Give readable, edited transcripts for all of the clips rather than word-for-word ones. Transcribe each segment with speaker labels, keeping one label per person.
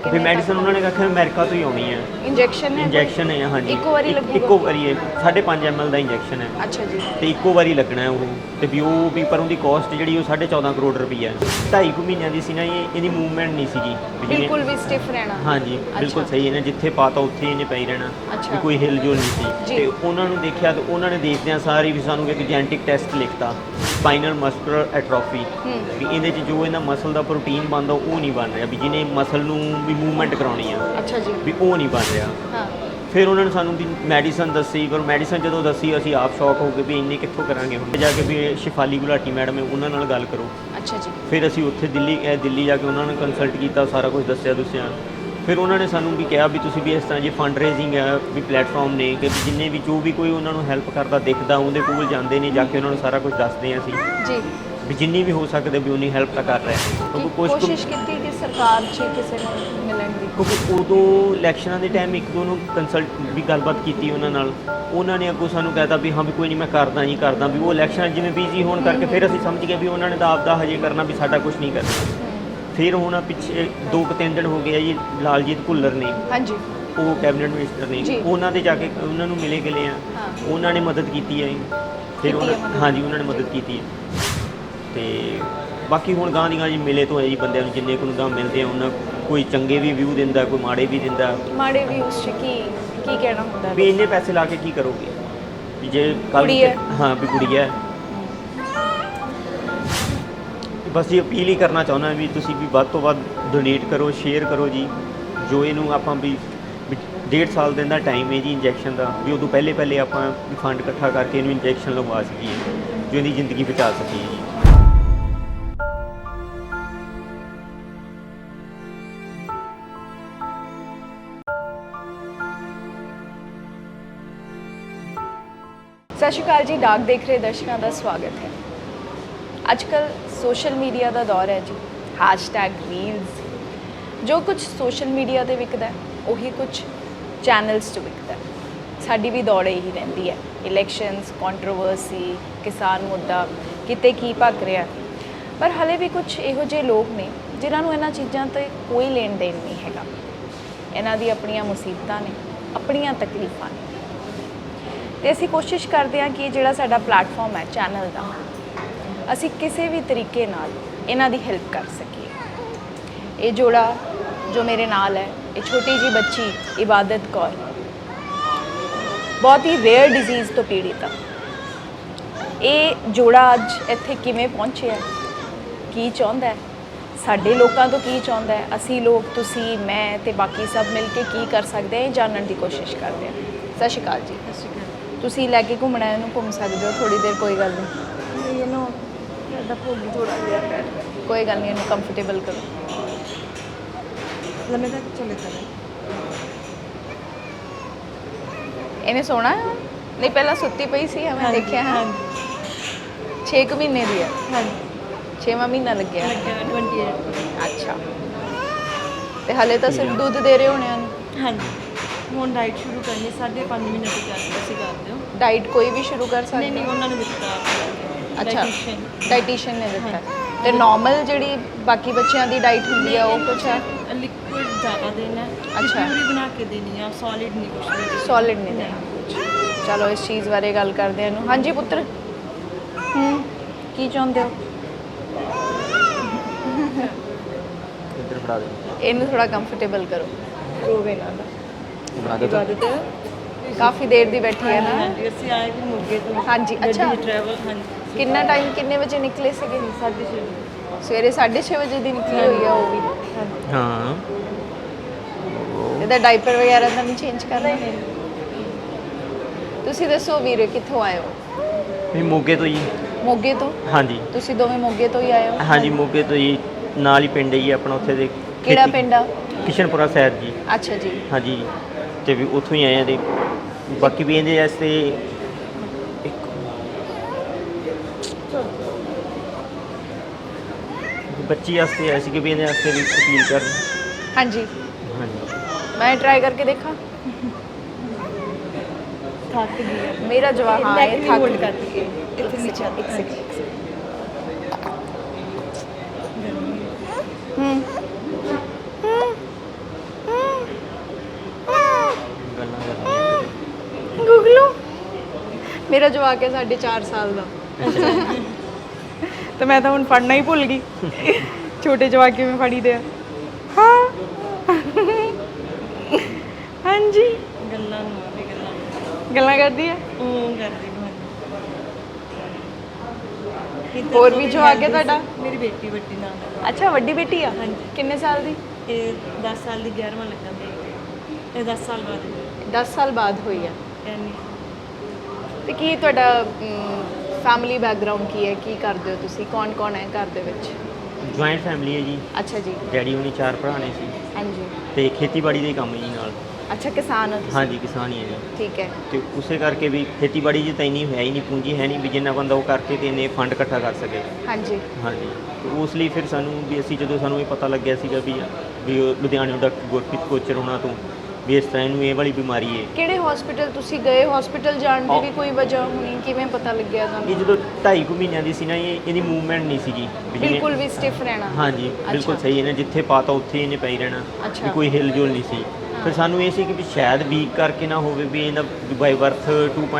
Speaker 1: ਫਿਰ ਮੈਡੀਸਨ ਉਹਨਾਂ ਨੇ ਆਖਿਆ ਅਮਰੀਕਾ ਤੋਂ ਹੀ ਆਉਣੀ ਹੈ। ਇੰਜੈਕਸ਼ਨ ਹੈ ਹਾਂਜੀ,
Speaker 2: ਇੱਕੋ ਵਾਰੀ ਲੱਗੂਗਾ?
Speaker 1: ਇੱਕੋ ਵਾਰੀ ਹੈ, 5.5 ml ਦਾ ਇੰਜੈਕਸ਼ਨ ਹੈ।
Speaker 2: ਅੱਛਾ ਜੀ।
Speaker 1: ਤੇ ਇੱਕੋ ਵਾਰੀ ਲੱਗਣਾ ਹੈ ਉਹ, ਤੇ ਵੀ ਉਹ ਵੀ ਪਰ ਉਹਦੀ ਕਾਸਟ ਜਿਹੜੀ ਉਹ 14.5 ਕਰੋੜ ਰੁਪਈਆ ਹੈ। 2.5 ਮਹੀਨਿਆਂ ਦੀ ਸੀ ਨਾ ਇਹਦੀ ਮੂਵਮੈਂਟ ਨਹੀਂ ਸੀਗੀ
Speaker 2: ਬਿਲਕੁਲ ਵੀ ਸਟਿਫ ਰਹਿਣਾ।
Speaker 1: ਹਾਂਜੀ ਬਿਲਕੁਲ ਸਹੀ, ਇਹਨੇ ਜਿੱਥੇ ਪਾਤਾ ਉੱਥੇ ਇਹਨੇ ਪਈ ਰਹਿਣਾ, ਵੀ ਕੋਈ ਹਿਲ ਜੁਲ ਨਹੀਂ ਸੀ। ਤੇ ਉਹਨਾਂ ਨੂੰ ਦੇਖਿਆ ਤੇ ਉਹਨਾਂ ਨੇ ਦੇਖਦਿਆਂ ਸਾਰੀ ਵੀ ਸਾਨੂੰ ਇੱਕ ਜੈਨੇਟਿਕ ਟੈਸਟ ਲਿਖਤਾ, ਸਪਾਈਨਲ ਮਸਕੂਲਰ ਐਟਰੋਫੀ, ਵੀ ਇਹਦੇ 'ਚ ਜੋ ਇਹਨਾਂ ਮਸਲ ਦਾ ਪ੍ਰੋਟੀਨ ਬਣਦਾ ਉਹ ਨਹੀਂ ਬਣ ਰਿਹਾ, ਵੀ ਜਿਹਨੇ ਮਸਲ ਨੂੰ ਵੀ ਮੂਵਮੈਂਟ ਕਰਾਉਣੀ ਆ।
Speaker 2: ਅੱਛਾ ਜੀ।
Speaker 1: ਵੀ ਉਹ ਨਹੀਂ ਬਣ ਰਿਹਾ।
Speaker 2: ਹਾਂ।
Speaker 1: ਫਿਰ ਉਹਨਾਂ ਨੇ ਸਾਨੂੰ ਵੀ ਮੈਡੀਸਨ ਦੱਸੀ, ਪਰ ਮੈਡੀਸਨ ਜਦੋਂ ਦੱਸੀ ਅਸੀਂ ਆਪ ਸ਼ੌਕ ਹੋ ਗਏ ਵੀ ਇੰਨੇ ਕਿੱਥੋਂ ਕਰਾਂਗੇ। ਹੁਣ ਜਾ ਕੇ ਵੀ ਸ਼ਿਫਾਲੀ ਗੁਲਾਟੀ ਮੈਡਮ ਹੈ ਉਹਨਾਂ ਨਾਲ ਗੱਲ ਕਰੋ।
Speaker 2: ਅੱਛਾ ਜੀ।
Speaker 1: ਫਿਰ ਅਸੀਂ ਉੱਥੇ ਦਿੱਲੀ ਜਾ ਕੇ ਉਹਨਾਂ ਨੇ ਕੰਸਲਟ ਕੀਤਾ, ਸਾਰਾ ਕੁਝ ਦੱਸਿਆ। ਫਿਰ ਉਹਨਾਂ ਨੇ ਸਾਨੂੰ ਵੀ ਕਿਹਾ ਵੀ ਤੁਸੀਂ ਵੀ ਇਸ ਤਰ੍ਹਾਂ ਜੇ ਫੰਡ ਰੇਜ਼ਿੰਗ ਹੈ ਵੀ ਪਲੇਟਫਾਰਮ ਨੇ ਕਿ ਜਿੰਨੇ ਵੀ ਜੋ ਵੀ ਕੋਈ ਉਹਨਾਂ ਨੂੰ ਹੈਲਪ ਕਰਦਾ ਦਿਖਦਾ ਉਹਦੇ ਕੋਲ ਜਾਂਦੇ ਨੇ, ਜਾ ਕੇ ਉਹਨਾਂ ਨੂੰ ਸਾਰਾ ਕੁਝ ਦੱਸਦੇ ਹਾਂ ਅਸੀਂ
Speaker 2: ਜੀ, ਵੀ
Speaker 1: ਜਿੰਨੀ ਵੀ ਹੋ ਸਕਦੇ ਵੀ ਉਨੀ ਹੈਲਪ ਤਾਂ ਕਰ ਰਹੇ। ਕਿਉਂਕਿ
Speaker 2: ਕੋਸ਼ਿਸ਼ ਕੀਤੀ ਕਿ ਸਰਕਾਰ 'ਚ ਕਿਸੇ ਨੂੰ ਮਿਲਣ ਦੀ,
Speaker 1: ਕਿਉਂਕਿ ਉਦੋਂ ਇਲੈਕਸ਼ਨਾਂ ਦੇ ਟਾਈਮ ਇੱਕ ਦੋ ਨੂੰ ਕੰਸਲਟ ਵੀ ਗੱਲਬਾਤ ਕੀਤੀ ਉਹਨਾਂ ਨਾਲ, ਉਹਨਾਂ ਨੇ ਅੱਗੋਂ ਸਾਨੂੰ ਕਹਿਤਾ ਵੀ ਹਾਂ ਵੀ ਕੋਈ ਨਹੀਂ ਮੈਂ ਕਰਦਾ ਵੀ ਉਹ ਇਲੈਕਸ਼ਨ ਜਿਵੇਂ ਬਿਜ਼ੀ ਹੋਣ ਕਰਕੇ ਫਿਰ ਅਸੀਂ ਸਮਝ ਗਏ ਵੀ ਉਹਨਾਂ ਨੇ ਤਾਂ ਆਪਦਾ ਹਜੇ ਕਰਨਾ, ਵੀ ਸਾਡਾ ਕੁਝ ਨਹੀਂ ਕਰਨਾ। ਫਿਰ ਹੁਣ ਪਿੱਛੇ 2-3 ਦਿਨ ਹੋ ਗਏ ਆ ਜੀ, ਲਾਲਜੀਤ ਭੁੱਲਰ ਨੇ, ਹਾਂਜੀ, ਉਹ ਕੈਬਨਿਟ ਮਿਨਿਸਟਰ ਨੇ, ਉਹਨਾਂ ਦੇ ਜਾ ਕੇ ਉਹਨਾਂ ਨੂੰ ਮਿਲੇ ਗਏ ਆ, ਉਹਨਾਂ ਨੇ ਮਦਦ ਕੀਤੀ ਹੈ। ਫਿਰ ਹਾਂਜੀ ਉਹਨਾਂ ਨੇ ਮਦਦ ਕੀਤੀ ਹੈ। ਤੇ ਬਾਕੀ ਹੁਣ ਗਾਂ ਦੀ ਗਾਂ ਜੀ ਮਿਲੇ ਤੋਂ ਹੈ ਜੀ ਬੰਦਿਆਂ ਨੂੰ, ਜਿੰਨੇ ਕੁ ਗਾਂ ਮਿਲਦੇ ਆ ਉਹਨਾਂ ਕੋਈ ਚੰਗੇ ਵੀ ਵਿਊ ਦਿੰਦਾ, ਕੋਈ ਮਾੜੇ ਵੀ ਦਿੰਦਾ। ਮਾੜੇ ਵੀ ਉਸ 'ਚ ਕੀ ਕਹਿਣਾ ਹੁੰਦਾ ਵੀ ਇੰਨੇ ਪੈਸੇ ਲਾ ਕੇ ਕੀ ਕਰੋਗੇ, ਵੀ ਜੇ ਕੱਲ੍ਹ ਹਾਂ ਵੀ ਕੁੜੀ ਹੈ। ਬਸ ਜੀ ਅਪੀਲ ਹੀ ਕਰਨਾ ਚਾਹੁੰਦਾ ਵੀ ਤੁਸੀਂ ਵੀ ਵੱਧ ਤੋਂ ਵੱਧ ਡੋਨੇਟ ਕਰੋ, ਸ਼ੇਅਰ ਕਰੋ ਜੀ। ਜੋ ਇਹਨੂੰ ਆਪਾਂ ਵੀ 1.5 ਸਾਲ ਦਿਨ ਦਾ ਟਾਈਮ ਹੈ ਜੀ ਇੰਜੈਕਸ਼ਨ ਦਾ, ਵੀ ਉਦੋਂ ਪਹਿਲੇ ਆਪਾਂ ਵੀ ਫੰਡ ਇਕੱਠਾ ਕਰਕੇ ਇਹਨੂੰ ਇੰਜੈਕਸ਼ਨ ਲਗਵਾ ਸਕੀਏ, ਜੋ ਇਹਦੀ ਜ਼ਿੰਦਗੀ ਬਚਾ ਸਕੀਏ ਜੀ।
Speaker 2: ਸਤਿ ਸ਼੍ਰੀ ਅਕਾਲ ਜੀ, ਡਾਕ ਦੇਖ ਰਹੇ ਦਰਸ਼ਕਾਂ ਦਾ ਸਵਾਗਤ ਹੈ। ਅੱਜ ਕੱਲ੍ਹ ਸੋਸ਼ਲ ਮੀਡੀਆ ਦਾ ਦੌਰ ਹੈ ਜੀ, #ਰੀਲਸ, ਜੋ ਕੁਝ ਸੋਸ਼ਲ ਮੀਡੀਆ 'ਤੇ ਵਿਕਦਾ ਉਹੀ ਕੁਝ ਚੈਨਲਸ 'ਚ ਵਿਕਦਾ। ਸਾਡੀ ਵੀ ਦੌੜ ਇਹੀ ਰਹਿੰਦੀ ਹੈ, ਇਲੈਕਸ਼ਨਸ, ਕੰਟਰੋਵਰਸੀ, ਕਿਸਾਨ ਮੁੱਦਾ, ਕਿਤੇ ਕੀ ਭੱਗ ਰਿਹਾ। ਪਰ ਹਲੇ ਵੀ ਕੁਝ ਇਹੋ ਜਿਹੇ ਲੋਕ ਨੇ ਜਿਨ੍ਹਾਂ ਨੂੰ ਇਹਨਾਂ ਚੀਜ਼ਾਂ 'ਤੇ ਕੋਈ ਲੈਣ ਦੇਣ ਨਹੀਂ ਹੈਗਾ। ਇਹਨਾਂ ਦੀ ਆਪਣੀਆਂ ਮੁਸੀਬਤਾਂ ਨੇ, ਆਪਣੀਆਂ ਤਕਲੀਫਾਂ ਨੇ, ਤੇ ਅਸੀਂ ਕੋਸ਼ਿਸ਼ ਕਰਦੇ ਹਾਂ ਕਿ ਇਹ ਜਿਹੜਾ ਸਾਡਾ ਪਲੇਟਫਾਰਮ ਹੈ ਚੈਨਲ ਦਾ, ਅਸੀਂ ਕਿਸੇ ਵੀ ਤਰੀਕੇ ਨਾਲ ਇਹਨਾਂ ਦੀ ਹੈਲਪ ਕਰ ਸਕੀਏ। ਇਹ ਜੋੜਾ ਜੋ ਮੇਰੇ ਨਾਲ ਹੈ, ਇਹ ਛੋਟੀ ਜਿਹੀ ਬੱਚੀ ਇਬਾਦਤ ਕੌਰ, ਬਹੁਤ ਹੀ ਰੇਅਰ ਡਿਜ਼ੀਜ਼ ਤੋਂ ਪੀੜਿਤ ਆ। ਇਹ ਜੋੜਾ ਅੱਜ ਇੱਥੇ ਕਿਵੇਂ ਪਹੁੰਚਿਆ, ਕੀ ਚਾਹੁੰਦਾ ਹੈ, ਸਾਡੇ ਲੋਕਾਂ ਤੋਂ ਕੀ ਚਾਹੁੰਦਾ ਹੈ, ਅਸੀਂ ਲੋਕ, ਤੁਸੀਂ, ਮੈਂ ਤੇ ਬਾਕੀ ਸਭ ਮਿਲ ਕੇ ਕੀ ਕਰ ਸਕਦੇ ਹਾਂ, ਇਹ ਜਾਣਨ ਦੀ ਕੋਸ਼ਿਸ਼ ਕਰਦੇ ਹਾਂ। ਸਤਿ ਸ਼੍ਰੀ ਅਕਾਲ ਜੀ। ਸਤਿ ਸ਼੍ਰੀ ਅਕਾਲ। ਤੁਸੀਂ ਲੈ ਕੇ ਘੁੰਮਣਾ ਇਹਨੂੰ, ਘੁੰਮ ਸਕਦੇ ਹੋ ਥੋੜ੍ਹੀ ਦੇਰ, ਕੋਈ ਗੱਲ ਨਹੀਂ। ਇਹਨੂੰ ਭੋਗੀ ਥੋੜਾ ਜਿਹਾ, ਕੋਈ ਗੱਲ ਨਹੀਂ, ਇਹਨੂੰ ਕੰਫਰਟੇਬਲ ਕਰੋ। ਲੰਮੇ ਤੱਕ ਚਲੇ ਕਰ ਇਹਨੇ ਸੋਣਾ ਨਹੀਂ, ਪਹਿਲਾਂ ਸੁੱਤੀ ਪਈ ਸੀ, ਮੈਂ ਦੇਖਿਆ ਹੈ। 6 ਮਹੀਨੇ ਦੀ ਹੈ। ਹਾਂਜੀ, 6ਵਾਂ ਮਹੀਨਾ ਲੱਗਿਆ 28। ਅੱਛਾ, ਤੇ ਹਾਲੇ ਤਾਂ ਸਿਰਫ ਦੁੱਧ ਦੇ ਰਹੇ ਹੋਣੇ ਹਨ। ਹਾਂਜੀ, ਹੁਣ ਡਾਈਟ ਸ਼ੁਰੂ ਕਰਨੀ, 5.5 ਮਹੀਨੇ ਤੋਂ ਤੁਸੀਂ ਕਰਦੇ ਹੋ ਡਾਈਟ? ਕੋਈ ਵੀ ਸ਼ੁਰੂ ਕਰ ਸਕਦੇ? ਨਹੀਂ, ਉਹਨਾਂ ਨੇ ਦਿੱਤਾ। ਅੱਛਾ, ਡਾਈਟੀਸ਼ੀਅਨ ਨੇ ਦਿੱਤਾ। ਤੇ ਨਾਰਮਲ ਜਿਹੜੀ ਬਾਕੀ ਬੱਚਿਆਂ ਦੀ ਡਾਈਟ ਹੁੰਦੀ ਹੈ ਉਹ ਕੁਛ ਹੈ? ਲਿਕੁਇਡ ਜ਼ਿਆਦਾ ਦੇਣਾ। ਅੱਛਾ, ਪਿਊਰੀ ਬਣਾ ਕੇ ਦੇਣੀ ਆ, ਸੋਲਿਡ ਨਹੀਂ ਕੁਛ। ਸੋਲਿਡ ਨਹੀਂ ਦੇਣਾ। ਚਲੋ ਇਸ ਚੀਜ਼ ਬਾਰੇ ਗੱਲ ਕਰਦੇ ਹਾਂ ਇਹਨੂੰ। ਹਾਂਜੀ ਪੁੱਤਰ, ਕੀ ਚਾਹੁੰਦੇ ਹੋ?
Speaker 1: ਇੱਧਰ ਫੜਾ ਦੇ
Speaker 2: ਇਹਨੂੰ, ਥੋੜਾ ਕੰਫਰਟੇਬਲ ਕਰੋ। ਰੋਵੇ ਨਾ। ਕਾਫੀ ਦੇਰ ਦੀ ਬੈਠੀ ਹੈ ਨਾ।
Speaker 3: ਅਸੀਂ ਆਏ ਵੀ ਮੋਗੇ ਤੋਂ।
Speaker 2: ਹਾਂਜੀ, ਅੱਛਾ,
Speaker 3: ਟਰੈਵਲ। ਹਾਂਜੀ,
Speaker 2: ਕਿੰਨਾ ਟਾਈਮ, ਕਿੰਨੇ ਵਜੇ ਨਿਕਲੇ ਸੀਗੇ?
Speaker 3: 6:30
Speaker 2: ਸਵੇਰੇ 6:30 ਵਜੇ ਦੀ ਨਿਕਲੀ ਹੋਈ ਆ ਉਹ ਵੀ।
Speaker 1: ਹਾਂ,
Speaker 2: ਇਹਦਾ ਡਾਈਪਰ ਵਗੈਰਾ ਤਾਂ ਨਹੀਂ ਚੇਂਜ ਕਰਨਾ? ਤੁਸੀਂ ਦੱਸੋ ਵੀਰੇ, ਕਿੱਥੋਂ ਆਏ ਹੋ?
Speaker 1: ਵੀ ਮੋਗੇ ਤੋਂ ਜੀ।
Speaker 2: ਮੋਗੇ ਤੋਂ? ਹਾਂਜੀ। ਤੁਸੀਂ ਦੋਵੇਂ ਮੋਗੇ ਤੋਂ ਹੀ ਆਏ ਹੋ? ਹਾਂਜੀ,
Speaker 1: ਮੋਗੇ ਤੋਂ ਜੀ, ਨਾਲ ਹੀ ਪਿੰਡ ਹੈ ਜੀ ਆਪਣਾ, ਉੱਥੇ ਦੇ।
Speaker 2: ਕਿਹੜਾ ਪਿੰਡ ਆ?
Speaker 1: ਕਿਸ਼ਨਪੁਰਾ ਸਾਹਿਬ ਜੀ।
Speaker 2: ਅੱਛਾ ਜੀ। ਹਾਂਜੀ,
Speaker 1: ਤੇ ਵੀ ਉੱਥੋਂ ਹੀ ਆਏ ਆ। ਤੇ ਬਾਕੀ ਵੀ ਇਹਦੇ ਵਾਸਤੇ ਬੱਚੀ ਵਾਸਤੇ ਆਏ ਸੀ ਕਿ ਵੀ ਇਹਦੇ ਵਾਸਤੇ ਵੀ ਅਪੀਲ ਕਰਨ।
Speaker 2: ਹਾਂਜੀ
Speaker 1: ਹਾਂਜੀ,
Speaker 2: ਮੈਂ ਟਰਾਈ ਕਰਕੇ ਦੇਖਾਂ।
Speaker 3: ਥੱਕ ਗਈ
Speaker 2: ਮੇਰਾ ਜਵਾਬ ਹਾਂ, ਇਹ ਥੱਕ
Speaker 3: ਹੋਲਡ ਕਰਕੇ ਇੱਥੇ ਨੀਚੇ
Speaker 2: ਇੱਕ ਸੈਕਿੰਡ। ਮੇਰਾ ਜਵਾਕ ਹੈ 4.5 ਸਾਲ ਦਾ ਤੇ ਮੈਂ ਤਾਂ ਹੁਣ ਫੜਨਾ ਹੀ ਭੁੱਲ ਗਈ ਛੋਟੇ ਜਵਾਕ ਕਿਵੇਂ ਫੜੀਦੇ ਆ ਹਾਂ ਹਾਂਜੀ
Speaker 3: ਗੱਲਾਂ ਨੂੰ ਆਵੇ ਗੱਲਾਂ
Speaker 2: ਗੱਲਾਂ ਕਰਦੀ ਹੈ
Speaker 3: ਕਰਦੀ
Speaker 2: ਹੋਰ ਵੀ ਜਵਾਕ ਹੈ ਤੁਹਾਡਾ?
Speaker 3: ਮੇਰੀ ਬੇਟੀ ਵੱਡੀ ਨਾਲ
Speaker 2: ਅੱਛਾ ਵੱਡੀ ਬੇਟੀ ਆ
Speaker 3: ਹਾਂਜੀ।
Speaker 2: ਕਿੰਨੇ ਸਾਲ ਦੀ?
Speaker 3: ਇਹ 10 ਸਾਲ ਦੀ 11ਵਾਂ ਲੱਗਾ ਤੇ ਇਹ 10 ਸਾਲ ਬਾਅਦ
Speaker 2: 10 ਸਾਲ ਬਾਅਦ ਹੋਈ ਆ
Speaker 3: ਐਨੀ
Speaker 2: ਤੇ ਕੀ ਤੁਹਾਡਾ ਫੈਮਿਲੀ ਬੈਕਗ੍ਰਾਉਂਡ ਕੀ ਹੈ, ਕੀ ਕਰਦੇ ਹੋ ਤੁਸੀਂ, ਕੌਣ ਕੌਣ ਹੈ ਘਰ ਦੇ ਵਿੱਚ?
Speaker 1: ਜੁਆਇੰਟ ਫੈਮਿਲੀ ਹੈ ਜੀ।
Speaker 2: ਅੱਛਾ ਜੀ।
Speaker 1: ਡੈਡੀ ਹੁਣੀ 4 ਭਰਾ ਨੇ ਸੀ
Speaker 2: ਹਾਂਜੀ।
Speaker 1: ਤੇ ਖੇਤੀਬਾੜੀ ਦਾ ਹੀ ਕੰਮ ਜੀ ਨਾਲ।
Speaker 2: ਅੱਛਾ ਕਿਸਾਨ ਹੋ ਤੁਸੀਂ?
Speaker 1: ਹਾਂਜੀ ਕਿਸਾਨ ਹੀ ਹੈ ਜੀ।
Speaker 2: ਠੀਕ ਹੈ।
Speaker 1: ਤੇ ਉਸੇ ਕਰਕੇ ਵੀ ਖੇਤੀਬਾੜੀ 'ਚ ਤਾਂ ਇੰਨੀ ਹੈ ਹੀ ਨਹੀਂ, ਪੂੰਜੀ ਹੈ ਨਹੀਂ ਵੀ ਜਿੰਨਾ ਬੰਦਾ ਉਹ ਕਰਕੇ ਤੇ ਇੰਨੇ ਫੰਡ ਇਕੱਠਾ ਕਰ ਸਕੇ।
Speaker 2: ਹਾਂਜੀ।
Speaker 1: ਹਾਂਜੀ ਤੇ ਉਸ ਲਈ ਫਿਰ ਸਾਨੂੰ ਵੀ ਅਸੀਂ ਜਦੋਂ ਸਾਨੂੰ ਇਹ ਪਤਾ ਲੱਗਿਆ ਸੀਗਾ ਵੀ ਉਹ ਲੁਧਿਆਣੇ ਡਾਕਟਰ ਗੁਰਪ੍ਰੀਤ ਕੋਚਰ ਉਹਨਾਂ ਤੋਂ ਵੀ ਇਸ ਤਰ੍ਹਾਂ ਇਹਨੂੰ ਇਹ ਵਾਲੀ ਬਿਮਾਰੀ ਹੈ।
Speaker 2: ਕਿਹੜੇ ਹਸਪੀਟਲ ਤੁਸੀਂ ਗਏ? ਹਸਪੀਟਲ ਜਾਣ ਦੀ ਵੀ ਕੋਈ ਵਜ੍ਹਾ ਹੋਣੀ, ਕਿਵੇਂ ਪਤਾ ਲੱਗਿਆ
Speaker 1: ਇਹ
Speaker 2: ਤੁਹਾਨੂੰ?
Speaker 1: ਜਦੋਂ 2.5 ਮਹੀਨਿਆਂ ਦੀ ਸੀ ਨਾ ਇਹਦੀ ਮੂਵਮੈਂਟ ਨਹੀਂ ਸੀਗੀ ਵੀ ਜਿਵੇਂ-
Speaker 2: ਬਿਲਕੁਲ ਵੀ ਸਟਿਫ ਰਹਿਣਾ?
Speaker 1: ਹਾਂਜੀ ਬਿਲਕੁਲ
Speaker 2: ਅੱਛਾ।
Speaker 1: ਸਹੀ। ਇਹਨੇ ਜਿੱਥੇ ਪਾਤਾ ਉੱਥੇ ਇਹਨੇ ਪਈ ਰਹਿਣਾ
Speaker 2: ਅੱਛਾ।
Speaker 1: ਵੀ ਕੋਈ ਹਿਲ ਜੁਲ ਨਹੀਂ ਸੀ। ਫਿਰ ਸਾਨੂੰ ਇਹ ਸੀ ਕਿ ਵੀ ਸ਼ਾਇਦ ਵੀਕ ਕਰਕੇ ਨਾ ਹੋਵੇ ਵੀ ਇਹਦਾ ਬਾਈ ਬਰਥ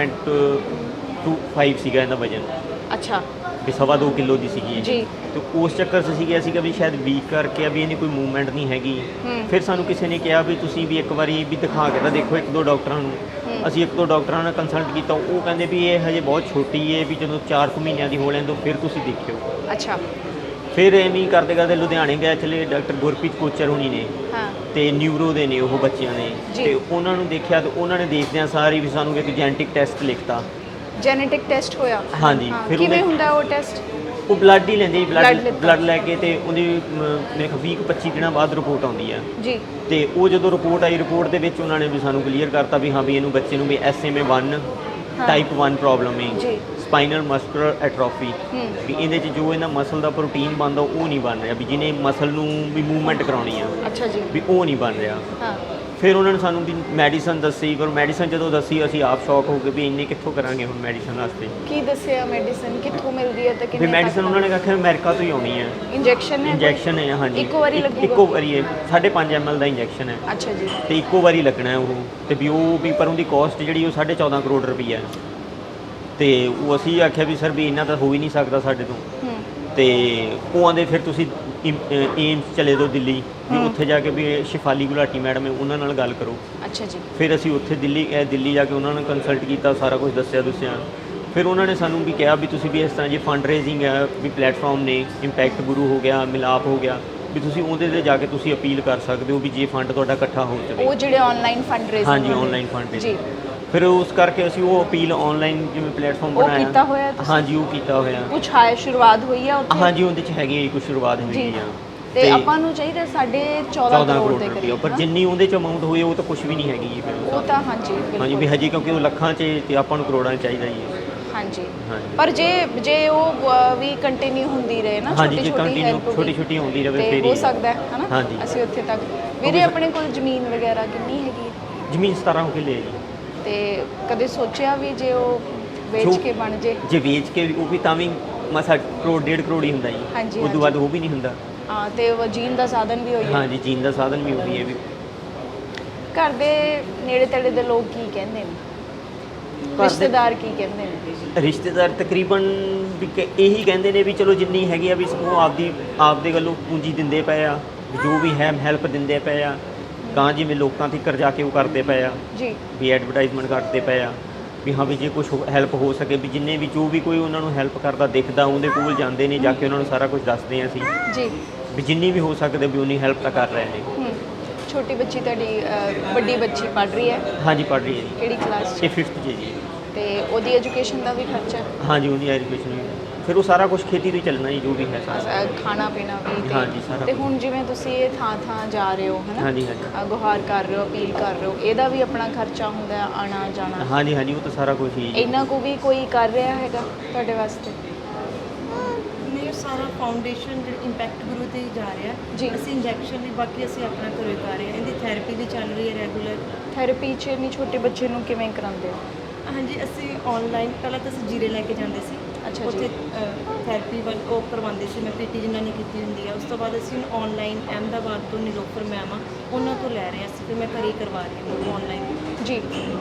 Speaker 1: 2.25 ਸੀਗਾ ਇਹਦਾ ਵਜਨ
Speaker 2: ਅੱਛਾ
Speaker 1: ਵੀ 2.25 ਕਿਲੋ ਦੀ ਸੀਗੀ ਇਹ।
Speaker 2: ਜੀ।
Speaker 1: ਤੇ ਉਸ ਚੱਕਰ 'ਚ ਸੀਗਾ ਸੀਗਾ ਵੀ ਸ਼ਾਇਦ ਵੀਕ ਕਰਕੇ ਆ ਵੀ ਇਹਦੀ ਕੋਈ ਮੂਵਮੈਂਟ ਨਹੀਂ ਹੈਗੀ।
Speaker 2: ਹੂੰ।
Speaker 1: ਫਿਰ ਸਾਨੂੰ ਕਿਸੇ ਨੇ ਕਿਹਾ ਵੀ ਤੁਸੀਂ ਵੀ ਇੱਕ ਵਾਰੀ ਵੀ ਦਿਖਾ ਕੇ ਤਾਂ ਦੇਖੋ 1-2 ਡਾਕਟਰਾਂ ਨੂੰ। ਅਸੀਂ 1-2 ਡਾਕਟਰਾਂ ਨਾਲ ਕੰਸਲਟ ਕੀਤਾ, ਉਹ ਕਹਿੰਦੇ ਵੀ ਇਹ ਹਜੇ ਬਹੁਤ ਛੋਟੀ ਹੈ ਵੀ ਜਦੋਂ 4 ਮਹੀਨਿਆਂ ਦੀ ਹੋ ਲੈਣ ਤੋਂ ਫਿਰ ਤੁਸੀਂ ਦੇਖਿਓ।
Speaker 2: ਅੱਛਾ।
Speaker 1: ਫਿਰ ਐਵੇਂ ਹੀ ਕਰਦੇ ਕਰਦੇ ਲੁਧਿਆਣੇ ਗਏ ਚਲੇ ਡਾਕਟਰ ਗੁਰਪ੍ਰੀਤ ਕੋਚਰ ਹੁਣੀ ਨੇ
Speaker 2: ਹਾਂ।
Speaker 1: ਤੇ ਨਿਊਰੋ ਦੇ ਨੇ ਉਹ ਬੱਚਿਆਂ ਨੇ
Speaker 2: ਜੀ।
Speaker 1: ਤੇ ਉਹਨਾਂ ਨੂੰ ਦੇਖਿਆ ਤੇ ਉਹਨਾਂ ਨੇ ਦੇਖਦਿਆਂ ਸਾਰੀ ਵੀ ਸਾਨੂੰ ਇੱਕ ਜੈਨੇਟਿਕ ਟੈਸਟ ਲਿਖਤਾ।
Speaker 2: ਜੈਨੇਟਿਕ ਟੈਸਟ ਹੋਇਆ?
Speaker 1: ਹਾਂਜੀ।
Speaker 2: ਹਾਂ,
Speaker 1: ਫਿਰ
Speaker 2: ਕਿਵੇਂ
Speaker 1: ਉਹਦੇ-
Speaker 2: ਹੁੰਦਾ ਉਹ ਟੈਸਟ?
Speaker 1: ਉਹ ਬਲੱਡ ਹੀ ਲੈਂਦੇ
Speaker 2: Blood ਲਿੱਤਾ।
Speaker 1: ਬਲੱਡ ਲੈ ਕੇ ਤੇ ਉਹਦੀ ਮੇਰੇ ਖਿਆਲ 20-25 ਦਿਨਾਂ ਬਾਅਦ ਰਿਪੋਰਟ ਆਉਂਦੀ ਆ।
Speaker 2: ਜੀ।
Speaker 1: ਤੇ ਉਹ ਜਦੋਂ ਰਿਪੋਰਟ ਆਈ, ਰਿਪੋਰਟ ਦੇ ਵਿੱਚ ਉਹਨਾਂ ਨੇ ਵੀ ਸਾਨੂੰ ਕਲੀਅਰ ਕਰਤਾ ਵੀ ਹਾਂ ਵੀ ਇਹਨੂੰ ਬੱਚੇ ਨੂੰ ਵੀ SMA1 ਟਾਈਪ 1 ਪ੍ਰੋਬਲਮ ਹੈ,
Speaker 2: ਜੀ।
Speaker 1: Spinal muscular atrophy.
Speaker 2: ਹੂੰ।
Speaker 1: ਵੀ ਇਹਦੇ 'ਚ ਜੋ ਇਹਨਾਂ ਮਸਲ ਦਾ ਪ੍ਰੋਟੀਨ ਬਣਦਾ ਉਹ ਨਹੀਂ ਬਣ ਰਿਹਾ, ਵੀ ਜਿਹਨੇ ਮਸਲ ਨੂੰ ਵੀ ਮੂਵਮੈਂਟ ਕਰਾਉਣੀ ਆ
Speaker 2: ਅੱਛਾ ਜੀ।
Speaker 1: ਵੀ ਉਹ ਨਹੀਂ ਬਣ ਰਿਹਾ।
Speaker 2: ਹਾਂ।
Speaker 1: ਫਿਰ ਉਹਨਾਂ ਨੇ ਸਾਨੂੰ ਵੀ ਮੈਡੀਸਨ ਦੱਸੀ, ਪਰ ਮੈਡੀਸਨ ਜਦੋਂ ਦੱਸੀ ਅਸੀਂ ਆਪ ਸ਼ੌਕ ਹੋ ਗਏ ਵੀ ਇੰਨੇ ਕਿੱਥੋਂ ਕਰਾਂਗੇ ਹੁਣ ਮੈਡੀਸਨ ਵਾਸਤੇ।
Speaker 2: ਕੀ ਦੱਸਿਆ ਮੈਡੀਸਨ ਕਿੱਥੋਂ ਮਿਲਦੀ ਹੈ ਤੇ
Speaker 1: ਵੀ
Speaker 2: ਕਿੰਨੇ
Speaker 1: ਮੈਡੀਸਨ ਉਹਨਾਂ ਨੇ ਆਖਿਆ ਅਮਰੀਕਾ ਤੋਂ ਹੀ ਆਉਣੀ ਹੈ।
Speaker 2: ਇੰਜੈਕਸ਼ਨ ਹੈ?
Speaker 1: ਇੰਜੈਕਸ਼ਨ ਹੈ ਹਾਂਜੀ।
Speaker 2: ਇੱਕੋ ਵਾਰੀ ਲੱਗੂਗਾ?
Speaker 1: ਇੱਕੋ ਵਾਰੀ ਹੈ, 5.5 ml ਦਾ ਇੰਜੈਕਸ਼ਨ ਹੈ
Speaker 2: ਅੱਛਾ ਜੀ।
Speaker 1: ਤੇ ਇੱਕੋ ਵਾਰੀ ਲੱਗਣਾ ਹੈ ਉਹ। ਤੇ ਵੀ ਉਹ ਵੀ ਪਰ ਉਹਦੀ ਕਾਸਟ ਜਿਹੜੀ ਉਹ 14.5 ਕਰੋੜ ਰੁਪਈਆ ਹੈ। ਤੇ ਉਹ ਅਸੀਂ ਆਖਿਆ ਵੀ ਸਰ ਵੀ ਇੰਨਾ ਤਾਂ ਹੋ ਹੀ ਨਹੀਂ ਸਕਦਾ ਸਾਡੇ ਤੋਂ।
Speaker 2: ਹੂੰ।
Speaker 1: ਤੇ ਉਹ ਆਂਦੇ ਫਿਰ ਤੁਸੀਂ ਏਮਸ ਚਲੇ ਜਾਓ ਦਿੱਲੀ, ਵੀ ਉੱਥੇ ਜਾ ਕੇ ਵੀ ਸ਼ਿਫਾਲੀ ਗੁਲਾਟੀ ਮੈਡਮ ਹੈ ਉਹਨਾਂ ਨਾਲ ਗੱਲ ਕਰੋ।
Speaker 2: ਅੱਛਾ ਜੀ।
Speaker 1: ਫਿਰ ਅਸੀਂ ਉੱਥੇ ਦਿੱਲੀ ਜਾ ਕੇ ਉਹਨਾਂ ਨਾਲ ਕੰਸਲਟ ਕੀਤਾ, ਸਾਰਾ ਕੁਝ ਦੱਸਿਆ। ਫਿਰ ਉਹਨਾਂ ਨੇ ਸਾਨੂੰ ਵੀ ਕਿਹਾ ਵੀ ਤੁਸੀਂ ਵੀ ਇਸ ਤਰ੍ਹਾਂ ਜੇ ਫੰਡ ਰੇਜ਼ਿੰਗ ਹੈ ਵੀ ਪਲੇਟਫਾਰਮ ਨੇ, ਇੰਪੈਕਟ ਗੁਰੂ ਹੋ ਗਿਆ, ਮਿਲਾਪ ਹੋ ਗਿਆ, ਵੀ ਤੁਸੀਂ ਉਹਦੇ 'ਤੇ ਜਾ ਕੇ ਤੁਸੀਂ ਅਪੀਲ ਕਰ ਸਕਦੇ ਹੋ ਵੀ ਜੇ ਫੰਡ ਤੁਹਾਡਾ ਇਕੱਠਾ ਹੋ ਜਾਵੇ।
Speaker 2: ਉਹ ਜਿਹੜੇ ਆਨਲਾਈਨ ਫੰਡ ਰੇਜ਼ਿੰਗ?
Speaker 1: ਹਾਂਜੀ ਆਨਲਾਈਨ ਫੰਡ
Speaker 2: ਜੀ।
Speaker 1: ਫਿਰ ਉਸ ਕਰਕੇ ਅਸੀਂ ਉਹ ਅਪੀਲ ਆਨਲਾਈਨ ਜਿਵੇਂ ਪਲੇਟਫਾਰਮ
Speaker 2: ਉਹ
Speaker 1: ਬਣਾਇਆ।
Speaker 2: ਕੀਤਾ ਹੋਇਆ ਤੁਸੀਂ?
Speaker 1: ਹਾਂਜੀ ਉਹ ਕੀਤਾ ਹੋਇਆ।
Speaker 2: ਕੁਛ ਹੈ ਸ਼ੁਰੂਆਤ ਹੋਈ ਆ ਉੱਥੇ?
Speaker 1: ਹਾਂਜੀ ਉਹਦੇ 'ਚ ਹੈਗੀ ਹੈ ਕੁਝ ਸ਼ੁਰੂਆਤ ਹੋਈ
Speaker 2: ਜੀ।
Speaker 1: ਆ।
Speaker 2: ਤੇ ਆਪਾਂ ਨੂੰ ਚਾਹੀਦਾ 14.5 ਕਰੋੜ ਦੇ
Speaker 1: ਰੁਪਏ,
Speaker 2: ਕਰੀਬ,
Speaker 1: ਪਰ
Speaker 2: ਹਾਂ?
Speaker 1: ਜਿੰਨੀ ਉਹਦੇ 'ਚ ਅਮਾਉਂਟ ਹੋਈ ਉਹ ਤਾਂ ਕੁਝ ਵੀ ਨਹੀਂ ਹੈਗੀ ਜੀ ਫਿਰ
Speaker 2: ਉਹ ਤਾਂ ਹਾਂਜੀ ਬਿਲਕੁਲ।
Speaker 1: ਹਾਂਜੀ ਵੀ ਹਜੇ ਕਿਉਂਕਿ ਉਹ ਲੱਖਾਂ 'ਚ ਤੇ ਆਪਾਂ ਨੂੰ ਕਰੋੜਾਂ 'ਚ ਚਾਹੀਦਾ ਜੀ।
Speaker 2: ਹਾਂਜੀ।
Speaker 1: ਹਾਂਜੀ।
Speaker 2: ਪਰ ਜੇ ਉਹ ਵੀ ਕੰਟੀਨਿਊ ਹੁੰਦੀ ਰਹੇ ਨਾ,
Speaker 1: ਹਾਂਜੀ,
Speaker 2: ਛੋਟੀ
Speaker 1: ਜੇ
Speaker 2: ਛੋਟੀ
Speaker 1: continue
Speaker 2: help
Speaker 1: ਛੋਟੀ ਛੋਟੀ ਹੁੰਦੀ ਰਹੇ
Speaker 2: ਤੇ
Speaker 1: ਫਿਰ
Speaker 2: ਹੋ
Speaker 1: ਹੀ।
Speaker 2: ਸਕਦਾ ਹੈ ਹਨਾ?
Speaker 1: ਹਾਂਜੀ।
Speaker 2: ਅਸੀਂ ਉੱਥੇ ਤੱਕ। ਵੀਰੇ ਆਪਣੇ ਕੋਲ ਜ਼ਮੀਨ ਵਗੈਰਾ ਕਿੰਨੀ ਹੈਗੀ ਹੈ?
Speaker 1: ਜ਼ਮੀਨ 17 ਕਿੱਲੇ ਹੈ ਜੀ।
Speaker 2: ਤੇ ਕਦੇ ਸੋਚਿਆ ਵੀ ਜੇ ਉਹ ਵੇਚ
Speaker 1: ਜੋ-
Speaker 2: ਕੇ ਬਣ ਜੇ?
Speaker 1: ਜੇ ਵੇਚ ਕੇ ਉਹ ਵੀ ਤਾਂ ਵੀ ਮਸਾ ਕਰੋੜ 1.5 ਕਰੋੜ ਹੀ ਹੁੰਦਾ ਜੀ।
Speaker 2: ਹਾਂਜੀ,
Speaker 1: ਉਸ ਤੋਂ ਬਾਅਦ ਉਹ ਵੀ ਨਹੀਂ ਹੁੰਦਾ।
Speaker 2: ਹਾਂ ਤੇ ਉਹ ਜੀਣ ਦਾ ਸਾਧਨ ਵੀ ਹੋਈ ਹੈ?
Speaker 1: ਹਾਂਜੀ ਜੀਣ ਦਾ ਸਾਧਨ ਵੀ ਉਹੀ ਹੈ ਵੀ।
Speaker 2: ਘਰ ਦੇ ਨੇੜੇ ਤੇੜੇ ਦੇ ਲੋਕ ਕੀ ਕਹਿੰਦੇ ਨੇ?
Speaker 1: ਦੇ-
Speaker 2: ਰਿਸ਼ਤੇਦਾਰ ਕੀ ਕਹਿੰਦੇ ਨੇ?
Speaker 1: ਰਿਸ਼ਤੇਦਾਰ ਤਕਰੀਬਨ ਵੀ ਇਹੀ ਕਹਿੰਦੇ ਨੇ ਵੀ ਚਲੋ ਜਿੰਨੀ ਹੈਗੀ ਆ ਵੀ ਉਹ ਆਪਦੇ ਵੱਲੋਂ ਪੂੰਜੀ ਦਿੰਦੇ ਪਏ ਆ, ਵੀ ਜੋ ਵੀ ਹੈ ਹੈਲਪ ਦਿੰਦੇ ਪਏ ਆ। ਤਾਂ ਜਿਵੇਂ ਲੋਕਾਂ ਤੱਕ ਜਾ ਕੇ ਉਹ ਕਰਦੇ ਪਏ ਆ
Speaker 2: ਜੀ।
Speaker 1: ਵੀ ਐਡਵਰਟਾਈਜ਼ਮੈਂਟ ਕਰਦੇ ਪਏ ਆ ਵੀ ਹਾਂ ਵੀ ਜੇ ਕੁਝ ਹੈਲਪ ਹੋ ਸਕੇ ਵੀ ਜਿੰਨੇ ਵੀ ਜੋ ਵੀ ਕੋਈ ਉਹਨਾਂ ਨੂੰ ਹੈਲਪ ਕਰਦਾ ਦਿਖਦਾ ਉਹਦੇ ਕੋਲ ਜਾਂਦੇ ਨੇ, ਜਾ ਕੇ ਉਹਨਾਂ ਨੂੰ ਸਾਰਾ ਕੁਝ ਦੱਸਦੇ ਆ ਅਸੀਂ
Speaker 2: ਜੀ।
Speaker 1: ਵੀ ਜਿੰਨੀ ਵੀ ਹੋ ਸਕਦੇ ਵੀ ਉਨੀ ਹੈਲਪ ਤਾਂ ਕਰ ਰਹੇ ਨੇ।
Speaker 2: ਹੂੰ। ਛੋਟੀ ਬੱਚੀ ਤੁਹਾਡੀ ਵੱਡੀ ਬੱਚੀ ਪੜ੍ਹ ਰਹੀ ਹੈ?
Speaker 1: ਹਾਂਜੀ ਪੜ੍ਹ ਰਹੀ ਹੈ ਜੀ।
Speaker 2: ਕਿਹੜੀ ਕਲਾਸ 'ਚ?
Speaker 1: ਇਹ 5th 'ਚ ਜੀ।
Speaker 2: ਤੇ ਉਹਦੀ ਐਜੂਕੇਸ਼ਨ ਦਾ ਵੀ ਖਰਚਾ?
Speaker 1: ਹਾਂਜੀ ਉਹਦੀ ਐਜੂਕੇਸ਼ਨ ਵੀ ਫਿਰ ਉਹ ਸਾਰਾ ਕੁਝ ਖੇਤੀ ਤੋਂ ਹੀ ਚੱਲਣਾ ਜੀ ਜੋ ਵੀ ਹੈ ਸਾਰਾ।
Speaker 2: ਖਾਣਾ ਪੀਣਾ ਵੀ ਤੇ?
Speaker 1: ਹਾਂਜੀ, ਸਾਰਾ
Speaker 2: ਤੇ
Speaker 1: ਕੁਛ।
Speaker 2: ਹੁਣ ਜਿਵੇਂ ਤੁਸੀਂ ਇਹ ਥਾਂ ਜਾ ਰਹੇ ਹੋ ਹਨਾ?
Speaker 1: ਹਾਂਜੀ ਹਾਂਜੀ
Speaker 2: ਗੁਹਾਰ ਕਰ ਰਹੇ ਹੋ, ਅਪੀਲ ਕਰ ਰਹੇ ਹੋ, ਇਹਦਾ ਵੀ ਆਪਣਾ ਖਰਚਾ ਹੁੰਦਾ ਹੈ, ਆਣਾ ਜਾਣਾ?
Speaker 1: ਹਾਂਜੀ ਹਾਂਜੀ ਉਹ ਤਾਂ ਸਾਰਾ ਕੁਝ ਹੀ ਜੀ।
Speaker 2: ਇੰਨਾ ਕੁ ਵੀ ਕੋਈ ਕਰ ਰਿਹਾ ਹੈਗਾ ਤੁਹਾਡੇ ਵਾਸਤੇ?
Speaker 3: ਨਹੀਂ ਸਾਰਾ ਫਾਊਂਡੇਸ਼ਨ ਜਿਹੜਾ ਇੰਪੈਕਟ ਗੁਰੂ ਤੇ ਹੀ ਜਾ ਰਿਹਾ
Speaker 2: ਜੀ।
Speaker 3: ਅਸੀਂ ਇੰਜੈਕਸ਼ਨ ਵੀ ਬਾਕੀ ਅਸੀਂ ਆਪਣਾ ਘਰੋਂ ਹੀ ਕਰ ਰਹੇ ਹਾਂ। ਇਹਦੀ ਥੈਰੇਪੀ ਵੀ ਚੱਲ ਰਹੀ ਹੈ ਰੈਗੂਲਰ।
Speaker 2: ਥੈਰੇਪੀ 'ਚ ਇੰਨੀ ਛੋਟੇ ਬੱਚੇ ਨੂੰ ਕਿਵੇਂ ਕਰਾਉਂਦੇ ਹੋ?
Speaker 3: ਹਾਂਜੀ ਅਸੀਂ ਆਨਲਾਈਨ ਪਹਿਲਾਂ ਤਾਂ ਅਸੀਂ ਜੀਰੇ ਲੈ ਕੇ ਜਾਂਦੇ ਸੀ,
Speaker 2: ਅੱਛਾ ਜੀ।
Speaker 3: ਉੱਥੇ ਥੈਰੇਪੀ ਵੱਲ ਉਹ ਕਰਵਾਉਂਦੇ ਸੀ, ਮੈਂ ਪੀਟੀ ਜਿਨ੍ਹਾਂ ਨੇ ਕੀਤੀ ਹੁੰਦੀ ਆ। ਉਸ ਤੋਂ ਬਾਅਦ ਅਸੀਂ ਆਨਲਾਈਨ ਅਹਿਮਦਾਬਾਦ ਤੋਂ ਨਿਲੋਫਰ ਮੈਮ ਆ, ਉਹਨਾਂ ਤੋਂ ਲੈ ਰਹੇ ਸੀ, ਫਿਰ ਮੈਂ ਘਰੇ ਹੀ ਕਰਵਾ ਰਹੀ ਹਾਂ ਆਨਲਾਈਨ।
Speaker 2: ਜੀ।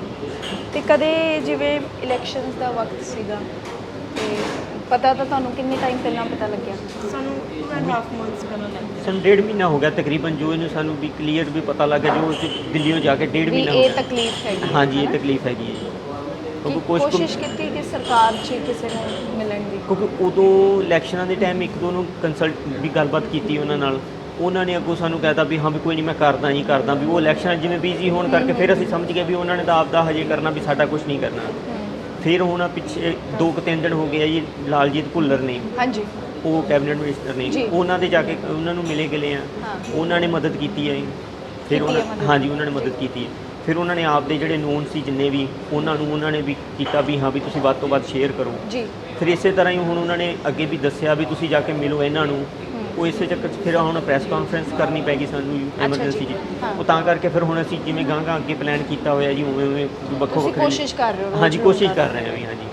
Speaker 2: ਤੇ ਕਦੇ ਜਿਵੇਂ ਇਲੈਕਸ਼ਨਸ ਦਾ ਵਕਤ ਸੀਗਾ ਤੇ ਪਤਾ ਤਾਂ ਤੁਹਾਨੂੰ ਕਿੰਨੇ ਟਾਈਮ ਪਹਿਲਾਂ ਪਤਾ ਲੱਗਿਆ?
Speaker 3: ਸਾਨੂੰ 2.5 ਮੰਥਸ ਕਰਨ ਲੱਗ ਗਏ।
Speaker 1: ਸਾਨੂੰ 1.5 ਮਹੀਨਾ ਹੋ ਗਿਆ ਤਕਰੀਬਨ, ਜੋ ਇਹਨੂੰ ਸਾਨੂੰ ਵੀ ਕਲੀਅਰ ਵੀ ਪਤਾ ਲੱਗ ਗਿਆ, ਜੋ ਅਸੀਂ ਦਿੱਲੀੋਂ ਜਾ ਕੇ 1.5
Speaker 2: ਵੀ
Speaker 1: ਮਹੀਨਾ ਹੋ
Speaker 2: ਇਹ
Speaker 1: ਗਿਆ।
Speaker 2: ਤਕਲੀਫ ਹੈਗੀ
Speaker 1: ਹਾਂਜੀ, ਇਹ
Speaker 2: ਹੈ ਨਾ?
Speaker 1: ਤਕਲੀਫ ਹੈਗੀ ਹੈ ਜੀ।
Speaker 2: ਕਿ
Speaker 1: ਕਿਉਂਕਿ ਕੁਛ
Speaker 2: ਕੋਸ਼ਿਸ਼ ਕੀਤੀ ਕਿ ਸਰਕਾਰ 'ਚ ਕਿਸੇ ਨੂੰ ਮਿਲਣ ਦੀ?
Speaker 1: ਕਿਉਂਕਿ ਉਦੋਂ ਇਲੈਕਸ਼ਨਾਂ ਦੇ ਟਾਈਮ ਇੱਕ ਦੋ ਨੂੰ ਕੰਸਲਟ ਵੀ ਗੱਲਬਾਤ ਕੀਤੀ ਉਹਨਾਂ ਨਾਲ, ਉਹਨਾਂ ਨੇ ਅੱਗੋਂ ਸਾਨੂੰ ਕਹਿਤਾ ਵੀ ਹਾਂ ਵੀ ਕੋਈ ਨਹੀਂ ਮੈਂ ਕਰਦਾ ਹੀ ਕਰਦਾ, ਵੀ ਉਹ ਇਲੈਕਸ਼ਨ ਜਿਵੇਂ ਬਿਜ਼ੀ ਹੋਣ ਕਰਕੇ ਫਿਰ ਅਸੀਂ ਸਮਝ ਗਏ ਵੀ ਉਹਨਾਂ ਨੇ ਤਾਂ ਆਪਦਾ ਹਜੇ ਕਰਨਾ, ਵੀ ਸਾਡਾ ਕੁਝ ਨਹੀਂ ਕਰਨਾ। ਫਿਰ ਹੁਣ ਪਿੱਛੇ 2-3 ਦਿਨ ਹੋ ਗਏ ਆ ਜੀ, ਲਾਲਜੀਤ ਭੁੱਲਰ ਨੇ,
Speaker 2: ਹਾਂਜੀ।
Speaker 1: ਉਹ ਕੈਬਨਿਟ ਮਿਨਿਸਟਰ ਨੇ,
Speaker 2: ਜੀ।
Speaker 1: ਉਹਨਾਂ ਦੇ ਜਾ ਕੇ ਉਹਨਾਂ ਨੂੰ ਮਿਲੇ ਗਏ ਆ,
Speaker 2: ਹਾਂ।
Speaker 1: ਉਹਨਾਂ ਨੇ ਮਦਦ ਕੀਤੀ ਹੈ ਜੀ। ਫਿਰ
Speaker 2: ਕੀਤੀ ਹੈ
Speaker 1: ਉਹਨਾਂ
Speaker 2: ਮਦਦ।
Speaker 1: ਹਾਂਜੀ, ਉਹਨਾਂ ਨੇ ਮਦਦ ਕੀਤੀ ਹੈ। ਫਿਰ ਉਹਨਾਂ ਨੇ ਆਪਦੇ ਜਿਹੜੇ ਨੋਨ ਸੀ ਜਿੰਨੇ ਵੀ, ਉਹਨਾਂ ਨੇ ਵੀ ਕੀਤਾ ਵੀ ਹਾਂ ਵੀ ਤੁਸੀਂ ਵੱਧ ਤੋਂ ਵੱਧ ਸ਼ੇਅਰ ਕਰੋ।
Speaker 2: ਜੀ।
Speaker 1: ਫਿਰ ਇਸੇ ਤਰ੍ਹਾਂ ਹੀ ਹੁਣ ਉਹਨਾਂ ਨੇ ਅੱਗੇ ਵੀ ਦੱਸਿਆ ਵੀ ਤੁਸੀਂ ਜਾ ਕੇ ਮਿਲੋ ਇਹਨਾਂ ਨੂੰ। ਉਹ ਇਸੇ ਚੱਕਰ 'ਚ ਫਿਰ ਹੁਣ ਪ੍ਰੈਸ ਕਾਨਫਰੰਸ ਕਰਨੀ ਪੈ ਗਈ ਸਾਨੂੰ ਐਮਰਜੈਂਸੀ 'ਚ।
Speaker 2: ਹਾਂ।
Speaker 1: ਉਹ ਤਾਂ ਕਰਕੇ ਫਿਰ ਹੁਣ ਅਸੀਂ ਜਿਵੇਂ ਗਾਂ ਅੱਗੇ ਪਲਾਨ ਕੀਤਾ ਹੋਇਆ ਜੀ, ਉਵੇਂ ਉਵੇਂ ਵੱਖੋ
Speaker 2: ਤੁਸੀਂ
Speaker 1: ਵੱਖਰੇ
Speaker 2: ਕੋਸ਼ਿਸ਼ ਕਰ ਰਹੇ ਹੋ?
Speaker 1: ਹਾਂਜੀ,
Speaker 2: ਰੋਜ਼
Speaker 1: ਕੋਸ਼ਿਸ਼
Speaker 2: ਲੋਕਾਂ
Speaker 1: ਕਰ ਰਹੇ ਹਾਂ ਵੀ। ਹਾਂਜੀ,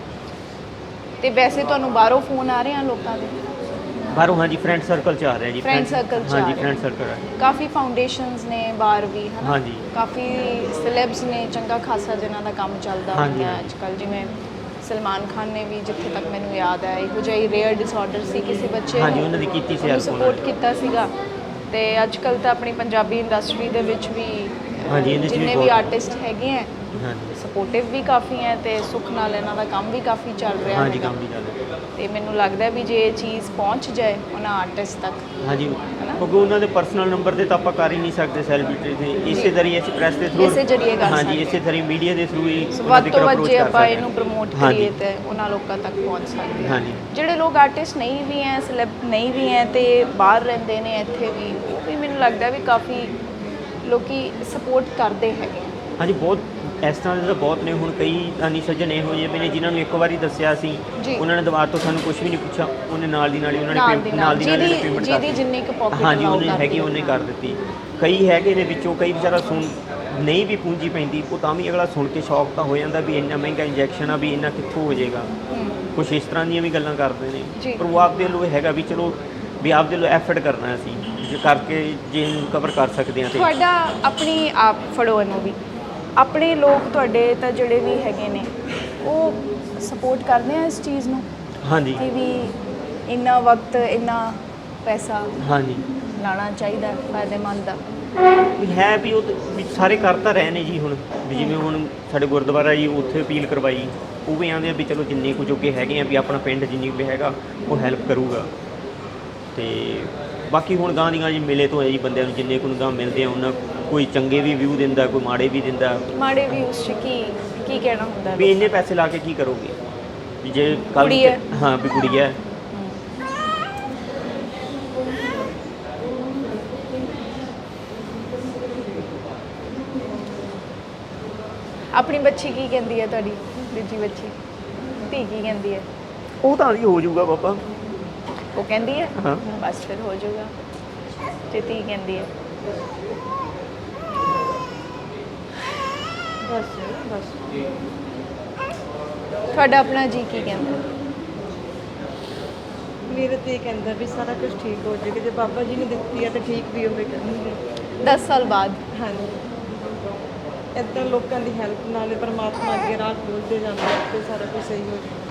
Speaker 2: ਤੇ ਵੈਸੇ ਤੁਹਾਨੂੰ ਬਾਹਰੋਂ ਫੋਨ ਆ ਰਹੇ ਆ ਲੋਕਾਂ ਦੇ?
Speaker 1: ਬਾਹਰੋਂ ਹਾਂਜੀ, ਫਰੈਂਡ ਸਰਕਲ 'ਚ ਆ ਰਿਹਾ ਜੀ।
Speaker 2: Friend circle 'ਚ ਆ
Speaker 1: ਹਾਂਜੀ,
Speaker 2: ਰਿਹਾ।
Speaker 1: ਫਰੈਂਡ ਸਰਕਲ ਆ।
Speaker 2: ਕਾਫੀ ਫਾਊਂਡੇਸ਼ਨਸ ਨੇ ਬਾਹਰ ਵੀ, ਹਨਾ?
Speaker 1: ਹਾਂਜੀ।
Speaker 2: ਕਾਫੀ ਸੈਲੈਬਸ ਨੇ, ਚੰਗਾ ਖਾਸਾ ਜਿਨ੍ਹਾਂ ਦਾ ਕੰਮ ਚੱਲਦਾ
Speaker 1: ਹਾਂਜੀ,
Speaker 2: ਹੁੰਦਾ
Speaker 1: ਹਾਂਜੀ।
Speaker 2: ਅੱਜ ਕੱਲ੍ਹ। ਜਿਵੇਂ ਸਲਮਾਨ ਖਾਨ ਨੇ ਵੀ, ਜਿੱਥੇ ਤੱਕ ਮੈਨੂੰ ਯਾਦ ਹੈ, ਇਹੋ ਜਿਹਾ ਹੀ ਰੇਅਰ ਡਿਸਆਰਡਰ ਸੀ ਕਿਸੇ ਬੱਚੇ
Speaker 1: ਹਾਂਜੀ, ਉਹਨਾਂ ਦੀ ਕੀਤੀ ਸੀ help ਉਹਨਾਂ
Speaker 2: ਸਪੋਰਟ
Speaker 1: ਨੇ।
Speaker 2: ਕੀਤਾ ਸੀਗਾ। ਤੇ ਅੱਜ ਕੱਲ੍ਹ ਤਾਂ ਆਪਣੀ ਪੰਜਾਬੀ ਇੰਡਸਟਰੀ ਦੇ ਵਿੱਚ ਵੀ
Speaker 1: ਹਾਂਜੀ, ਇਹਦੇ 'ਚ ਵੀ
Speaker 2: ਜਿੰਨੇ ਵੀ
Speaker 1: ਬਹੁਤ-
Speaker 2: ਆਰਟਿਸਟ ਹੈਗੇ ਹੈ,
Speaker 1: ਹਾਂਜੀ,
Speaker 2: ਸਪੋਰਟਿਵ ਵੀ ਕਾਫੀ ਹੈ ਤੇ ਸੁੱਖ ਨਾਲ ਇਹਨਾਂ ਦਾ ਕੰਮ ਵੀ ਕਾਫੀ ਚੱਲ ਰਿਹਾ
Speaker 1: ਹਾਂਜੀ,
Speaker 2: ਹੈਗਾ।
Speaker 1: ਕੰਮ ਵੀ ਚੱਲ ਰਿਹਾ।
Speaker 2: ਤੇ ਮੈਨੂੰ ਲੱਗਦਾ ਵੀ ਜੇ ਇਹ ਚੀਜ਼ ਪਹੁੰਚ ਜਾਏ ਉਹਨਾਂ ਆਰਟਿਸਟ ਤੱਕ।
Speaker 1: ਹਾਂਜੀ,
Speaker 2: ਹਨਾ?
Speaker 1: ਕਿਉਂਕਿ ਉਹਨਾਂ ਦੇ ਪਰਸਨਲ ਨੰਬਰ ਤੇ ਤਾਂ ਆਪਾਂ ਕਰ ਹੀ ਨਹੀਂ ਸਕਦੇ ਸੈਲੀਬ੍ਰਿਟੀ ਦੇ। ਇਸੇ ਜ਼ਰੀਏ ਅਸੀਂ ਪ੍ਰੈਸ ਦੇ ਥਰੂ,
Speaker 2: ਇਸੇ ਜ਼ਰੀਏ ਕਰ
Speaker 1: ਹਾਂਜੀ,
Speaker 2: ਸਕਦੇ।
Speaker 1: ਇਸੇ ਤਰ੍ਹਾਂ ਮੀਡੀਆ ਦੇ ਥਰੂ ਹੀ ਉਹਨਾਂ
Speaker 2: ਵੱਧ
Speaker 1: ਦੀ
Speaker 2: ਤੋਂ ਵੱਧ
Speaker 1: approach
Speaker 2: ਜੇ
Speaker 1: ਕਰ
Speaker 2: ਆਪਾਂ
Speaker 1: ਸਕਦੇ
Speaker 2: ਇਹਨੂੰ ਪ੍ਰਮੋਟ
Speaker 1: ਹਾਂਜੀ।
Speaker 2: ਕਰੀਏ ਤੇ ਉਹਨਾਂ ਲੋਕਾਂ ਤੱਕ ਪਹੁੰਚ ਸਕਦੇ ਹਾਂ।
Speaker 1: ਹਾਂਜੀ।
Speaker 2: ਜਿਹੜੇ ਲੋਕ ਆਰਟਿਸਟ ਨਹੀਂ ਵੀ ਹੈ, ਸੈਲੈਬ ਨਹੀਂ ਵੀ ਹੈ ਤੇ ਬਾਹਰ ਰਹਿੰਦੇ ਨੇ ਇੱਥੇ ਵੀ, ਉਹ ਵੀ ਮੈਨੂੰ ਲੱਗਦਾ ਵੀ ਕਾਫੀ ਲੋਕੀ ਸਪੋਰਟ ਕਰਦੇ ਹੈਗੇ।
Speaker 1: ਹਾਂਜੀ, ਬਹੁਤ ਇਸ ਤਰ੍ਹਾਂ ਦੇ ਤਾਂ ਬਹੁਤ ਨੇ। ਹੁਣ ਕਈ ਦਾਨੀ ਸੱਜਣ ਇਹੋ ਜਿਹੇ ਵੀ ਨੇ ਜਿਨ੍ਹਾਂ ਨੂੰ ਇੱਕ ਵਾਰੀ ਦੱਸਿਆ ਸੀ,
Speaker 2: ਜੀ।
Speaker 1: ਉਹਨਾਂ ਨੇ ਦੁਬਾਰਾ ਤੋਂ ਸਾਨੂੰ ਕੁਝ ਵੀ ਨਹੀਂ ਪੁੱਛਿਆ, ਉਹਨੇ ਨਾਲ ਦੀ ਨਾਲ ਹੀ ਉਹਨਾਂ
Speaker 2: ਨਾਲ
Speaker 1: ਨੇ
Speaker 2: ਦੀ
Speaker 1: ਨਾਲ
Speaker 2: ਨਾਲ
Speaker 1: ਦੀ ਨਾਲ
Speaker 2: ਜਿਹਦੀ
Speaker 1: ਪੇਮੈਂਟ
Speaker 2: ਜਿਹਦੀ ਜਿੰਨੀ ਕੁ pocket
Speaker 1: ਹਾਂਜੀ,
Speaker 2: allow
Speaker 1: ਉਹਨੇ
Speaker 2: ਕਰਦੀ
Speaker 1: ਹੈਗੀ
Speaker 2: ਹੈ।
Speaker 1: ਉਹਨੇ ਕਰ ਦਿੱਤੀ। ਕਈ ਹੈਗੇ ਨੇ ਵਿੱਚੋਂ, ਕਈ ਵਿਚਾਰਾ ਸੁਣ ਨਹੀਂ ਵੀ ਪੂੰਜੀ ਪੈਂਦੀ, ਉਹ ਤਾਂ ਵੀ ਅਗਲਾ ਸੁਣ ਕੇ ਸ਼ੌਕ ਤਾਂ ਹੋ ਜਾਂਦਾ ਵੀ ਇੰਨਾ ਮਹਿੰਗਾ ਇੰਜੈਕਸ਼ਨ ਆ, ਵੀ ਇੰਨਾ ਕਿੱਥੋਂ ਹੋ ਜਾਏਗਾ। ਕੁਛ ਇਸ ਤਰ੍ਹਾਂ ਦੀਆਂ ਵੀ ਗੱਲਾਂ ਕਰਦੇ ਨੇ।
Speaker 2: ਜੀ।
Speaker 1: ਪਰ ਉਹ ਆਪਦੇ ਵੱਲੋਂ ਹੈਗਾ ਵੀ ਚਲੋ ਵੀ ਆਪਦੇ ਵੱਲੋਂ ਐਫਰਟ ਕਰਨਾ ਅਸੀਂ, ਜੇ ਕਰਕੇ ਜੇ ਇਹਨੂੰ ਕਵਰ ਕਰ ਸਕਦੇ ਹਾਂ ਤੇ।
Speaker 2: ਤੁਹਾਡਾ ਆਪਣੀ ਆਪ ਫੜੋ ਇਹਨੂੰ ਵੀ, ਆਪਣੇ ਲੋਕ ਤੁਹਾਡੇ ਤਾਂ ਜਿਹੜੇ ਵੀ ਹੈਗੇ ਨੇ ਉਹ ਸਪੋਰਟ ਕਰਦੇ ਆ ਇਸ ਚੀਜ਼ ਨੂੰ
Speaker 1: ਹਾਂਜੀ,
Speaker 2: ਕਿ ਵੀ ਇੰਨਾ ਵਕਤ ਇੰਨਾ ਪੈਸਾ
Speaker 1: ਹਾਂਜੀ,
Speaker 2: ਲਾਣਾ ਚਾਹੀਦਾ ਹੈ, ਫਾਇਦੇਮੰਦ ਆ।
Speaker 1: ਵੀ ਹੈ ਵੀ ਉਹ ਵੀ ਸਾਰੇ ਕਰ ਤਾਂ ਰਹੇ ਨੇ ਜੀ। ਹੁਣ ਵੀ ਜਿਵੇਂ ਹੁਣ ਸਾਡੇ ਗੁਰਦੁਆਰਾ ਜੀ, ਉੱਥੇ ਅਪੀਲ ਕਰਵਾਈ, ਉਹ ਵੀ ਆਉਂਦੇ ਆ ਵੀ ਚਲੋ ਜਿੰਨੇ ਕੁ ਜੋਗੇ ਹੈਗੇ ਆ ਵੀ ਆਪਣਾ ਪਿੰਡ ਜਿੰਨੀ ਕੁ ਵੀ ਹੈਗਾ ਉਹ ਹੈਲਪ ਕਰੂਗਾ। ਤੇ ਬਾਕੀ ਹੁਣ ਗਾਂ ਦੀਆਂ ਜੀ ਮਿਲੇ ਤੋਂ ਹੈ ਜੀ, ਬੰਦਿਆਂ ਨੂੰ ਜਿੰਨੇ ਕੁ ਗਾਂ ਮਿਲਦੇ ਆ ਉਹਨਾਂ, ਕੋਈ ਚੰਗੇ ਵੀ ਵਿਊ ਦਿੰਦਾ, ਕੋਈ ਮਾੜੇ ਵੀ ਦਿੰਦਾ।
Speaker 2: ਮਾੜੇ ਵੀ ਉਸ 'ਚ ਕੀ ਕਹਿਣਾ ਹੁੰਦਾ
Speaker 1: ਵੀ ਇੰਨੇ ਪੈਸੇ ਲਾ ਕੇ ਕੀ ਕਰੋਗੇ, ਵੀ ਜੇ ਕੱਲ੍ਹ
Speaker 2: ਕੁੜੀ ਹੈ।
Speaker 1: ਹਾਂ ਵੀ ਕੁੜੀ ਹੈ।
Speaker 2: ਆਪਣੀ ਬੱਚੀ ਕੀ ਕਹਿੰਦੀ ਹੈ, ਤੁਹਾਡੀ ਦੂਜੀ ਬੱਚੀ ਧੀ ਕੀ ਕਹਿੰਦੀ ਹੈ?
Speaker 1: ਉਹ ਤਾਂ ਜੀ ਹੋ ਜਾਊਗਾ ਬਾਬਾ।
Speaker 2: ਉਹ ਕਹਿੰਦੀ ਹੈ
Speaker 1: ਹਾਂ।
Speaker 2: ਬਸ ਫਿਰ ਹੋ ਜਾਊਗਾ ਜੇ ਧੀ ਕਹਿੰਦੀ ਹੈ।
Speaker 3: ਬਸ ਬਸ
Speaker 2: ਤੁਹਾਡਾ ਆਪਣਾ ਜੀ ਕੀ ਕਹਿੰਦਾ?
Speaker 3: ਮੇਰੇ ਤੇ ਇਹ ਕਹਿੰਦਾ ਵੀ ਸਾਰਾ ਕੁਝ ਠੀਕ ਹੋ ਜਾਏਗਾ, ਜੇ ਬਾਬਾ ਜੀ ਨੇ ਦਿੱਤੀ ਹੈ ਤਾਂ ਠੀਕ ਵੀ ਹੋਵੇ ਕਰਨਗੇ।
Speaker 2: 10 ਸਾਲ ਬਾਅਦ
Speaker 3: ਹਾਂਜੀ, ਇੱਦਾਂ ਲੋਕਾਂ ਦੀ ਹੈਲਪ ਨਾਲ ਪਰਮਾਤਮਾ ਅੱਗੇ ਰਾਹ ਖੋਲ੍ਹਦੇ ਜਾਂਦਾ ਤੇ ਸਾਰਾ ਕੁਝ ਸਹੀ ਹੋ ਜਾਂਦਾ।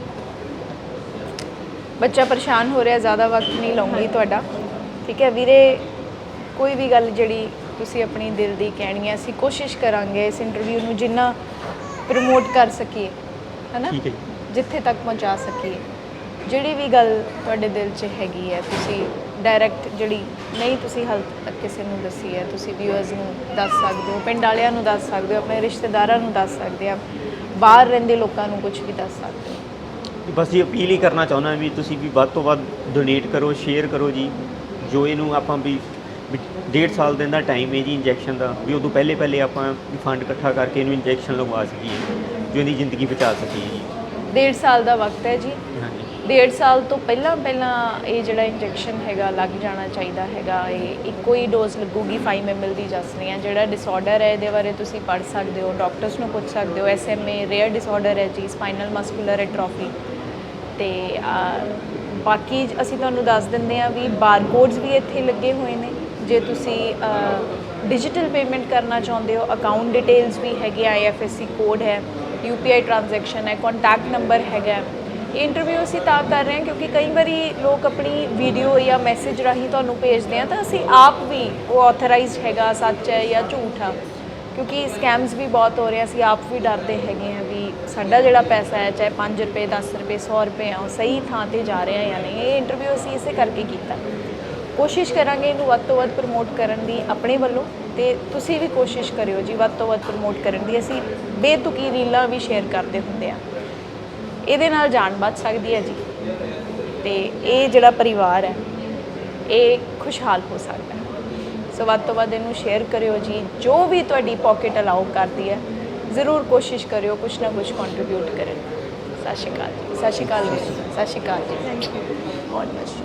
Speaker 2: ਬੱਚਾ ਪਰੇਸ਼ਾਨ ਹੋ ਰਿਹਾ, ਜ਼ਿਆਦਾ ਵਕਤ ਨਹੀਂ ਲਵਾਂਗੀ ਤੁਹਾਡਾ, ਠੀਕ ਹੈ ਵੀਰੇ? ਕੋਈ ਵੀ ਗੱਲ ਜਿਹੜੀ ਤੁਸੀਂ ਆਪਣੀ ਦਿਲ ਦੀ ਕਹਿਣੀ ਹੈ, ਅਸੀਂ ਕੋਸ਼ਿਸ਼ ਕਰਾਂਗੇ ਇਸ ਇੰਟਰਵਿਊ ਨੂੰ ਜਿੰਨਾ ਪ੍ਰਮੋਟ ਕਰ ਸਕੀਏ, ਹੈ ਨਾ,
Speaker 1: ਠੀਕ ਹੈ ਜੀ।
Speaker 2: ਜਿੱਥੇ ਤੱਕ ਪਹੁੰਚਾ ਸਕੀਏ। ਜਿਹੜੀ ਵੀ ਗੱਲ ਤੁਹਾਡੇ ਦਿਲ 'ਚ ਹੈਗੀ ਹੈ, ਤੁਸੀਂ ਡਾਇਰੈਕਟ ਜਿਹੜੀ ਨਹੀਂ ਤੁਸੀਂ ਹਾਲੇ ਤੱਕ ਕਿਸੇ ਨੂੰ ਦੱਸੀ ਹੈ, ਤੁਸੀਂ ਵਿਊਅਰਸ ਨੂੰ ਦੱਸ ਸਕਦੇ ਹੋ, ਪਿੰਡ ਵਾਲਿਆਂ ਨੂੰ ਦੱਸ ਸਕਦੇ ਹੋ, ਆਪਣੇ ਰਿਸ਼ਤੇਦਾਰਾਂ ਨੂੰ ਦੱਸ ਸਕਦੇ ਆ, ਬਾਹਰ ਰਹਿੰਦੇ ਲੋਕਾਂ ਨੂੰ ਕੁਝ ਵੀ ਦੱਸ ਸਕਦੇ ਹੋ।
Speaker 1: ਬਸ ਜੀ ਅਪੀਲ ਹੀ ਕਰਨਾ ਚਾਹੁੰਦਾ ਵੀ ਤੁਸੀਂ ਵੀ ਵੱਧ ਤੋਂ ਵੱਧ ਡੋਨੇਟ ਕਰੋ, ਸ਼ੇਅਰ ਕਰੋ ਜੀ। ਜੋ ਇਹਨੂੰ ਆਪਾਂ ਵੀ 1.5 ਸਾਲ ਦਿਨ ਦਾ ਟਾਈਮ ਹੈ ਜੀ ਇੰਜੈਕਸ਼ਨ ਦਾ, ਵੀ ਉਦੋਂ ਪਹਿਲੇ ਆਪਾਂ ਫੰਡ ਇਕੱਠਾ ਕਰਕੇ ਇਹਨੂੰ ਇੰਜੈਕਸ਼ਨ ਲਗਵਾ ਸਕੀਏ, ਜੋ ਇਹਦੀ ਜ਼ਿੰਦਗੀ ਬਚਾ ਸਕੀਏ ਜੀ।
Speaker 2: 1.5 ਸਾਲ ਦਾ ਵਕਤ ਹੈ ਜੀ।
Speaker 1: ਹਾਂਜੀ,
Speaker 2: 1.5 ਸਾਲ ਤੋਂ ਪਹਿਲਾਂ ਇਹ ਜਿਹੜਾ ਇੰਜੈਕਸ਼ਨ ਹੈਗਾ ਲੱਗ ਜਾਣਾ ਚਾਹੀਦਾ ਹੈਗਾ। ਇਹ ਇੱਕੋ ਹੀ ਡੋਜ਼ ਲੱਗੂਗੀ 5 ml ਦੀ ਦੱਸ ਰਹੀ ਹਾਂ। ਜਿਹੜਾ ਡਿਸਆਰਡਰ ਹੈ ਇਹਦੇ ਬਾਰੇ ਤੁਸੀਂ ਪੜ੍ਹ ਸਕਦੇ ਹੋ, ਡਾਕਟਰਸ ਨੂੰ ਪੁੱਛ ਸਕਦੇ ਹੋ। SMA ਰੇਅਰ ਡਿਸਆਰਡਰ ਹੈ ਜੀ, ਸਪਾਈਨਲ ਮਸਕੂਲਰ ਐਟਰੋਫੀ। ਤੇ ਬਾਕੀ ਅਸੀਂ ਤੁਹਾਨੂੰ ਦੱਸ ਦਿੰਦੇ ਹਾਂ ਵੀ ਬਾਰਕੋਡਸ ਵੀ ਇੱਥੇ ਲੱਗੇ ਹੋਏ ਨੇ। ਜੇ ਤੁਸੀਂ ਡਿਜੀਟਲ ਪੇਮੈਂਟ ਕਰਨਾ ਚਾਹੁੰਦੇ ਹੋ, ਅਕਾਊਂਟ ਡਿਟੇਲਸ ਵੀ ਹੈਗੇ, IFSC ਕੋਡ ਹੈ, UPI ਟ੍ਰਾਂਜੈਕਸ਼ਨ ਹੈ, ਕੰਟੈਕਟ ਨੰਬਰ ਹੈਗਾ। ਇਹ ਇੰਟਰਵਿਊ ਅਸੀਂ ਤਾਂ ਕਰ ਰਹੇ ਹਾਂ ਕਿਉਂਕਿ ਕਈ ਵਾਰੀ ਲੋਕ ਆਪਣੀ ਵੀਡੀਓ ਜਾਂ ਮੈਸੇਜ ਰਾਹੀਂ ਤੁਹਾਨੂੰ ਭੇਜਦੇ ਆ ਤਾਂ ਅਸੀਂ ਆਪ ਵੀ ਉਹ ਆਥੋਰਾਈਜ਼ਡ ਹੈਗਾ, ਸੱਚ ਹੈ ਜਾਂ ਝੂਠ ਆ, ਕਿਉਂਕਿ ਸਕੈਮਸ ਵੀ ਬਹੁਤ ਹੋ ਰਹੇ, ਅਸੀਂ ਆਪ ਵੀ ਡਰਦੇ ਹੈਗੇ ਆ ਵੀ ਸਾਡਾ ਜਿਹੜਾ ਪੈਸਾ ਹੈ, ਚਾਹੇ 5 ਰੁਪਏ 10 ਰੁਪਏ 100 ਰੁਪਏ ਆ, ਉਹ ਸਹੀ ਥਾਂ ਤੇ ਜਾ ਰਿਹਾ ਜਾਂ ਨਹੀਂ। ਇਹ ਇੰਟਰਵਿਊ ਅਸੀਂ ਇਸੇ ਕਰਕੇ ਕੀਤਾ। ਕੋਸ਼ਿਸ਼ ਕਰਾਂਗੇ ਇਹਨੂੰ ਵੱਧ ਤੋਂ ਵੱਧ ਪ੍ਰਮੋਟ ਕਰਨ ਦੀ ਆਪਣੇ ਵੱਲੋਂ, ਤੇ ਤੁਸੀਂ ਵੀ ਕੋਸ਼ਿਸ਼ ਕਰਿਓ ਜੀ ਵੱਧ ਤੋਂ ਵੱਧ ਪ੍ਰਮੋਟ ਕਰਨ ਦੀ। ਅਸੀਂ ਬੇਤੁਕੀ ਰੀਲਾਂ ਵੀ ਸ਼ੇਅਰ ਕਰਦੇ ਹੁੰਦੇ ਆ, ਇਹਦੇ ਨਾਲ ਜਾਨ ਬਚ ਸਕਦੀ ਹੈ ਜੀ, ਤੇ ਇਹ ਜਿਹੜਾ ਪਰਿਵਾਰ ਹੈ ਇਹ ਖੁਸ਼ਹਾਲ ਹੋ ਸਕਦਾ ਹੈ। ਸੋ ਵੱਧ ਤੋਂ ਵੱਧ ਇਹਨੂੰ ਸ਼ੇਅਰ ਕਰਿਓ ਜੀ। ਜੋ ਵੀ ਤੁਹਾਡੀ ਪਾਕਟ ਅਲਾਓ ਕਰਦੀ ਹੈ, ਜ਼ਰੂਰ ਕੋਸ਼ਿਸ਼ ਕਰਿਓ ਕੁਛ ਨਾ ਕੁਛ ਕੰਟਰੀਬਿਊਟ ਕਰਨ। ਸਤਿ ਸ਼੍ਰੀ ਅਕਾਲ ਜੀ। ਸਤਿ ਸ਼੍ਰੀ ਅਕਾਲ ਵੀਰ ਜੀ। ਸਤਿ ਸ਼੍ਰੀ ਅਕਾਲ ਜੀ। ਥੈਂਕ ਯੂ ਬਹੁਤ ਬਹੁਤ।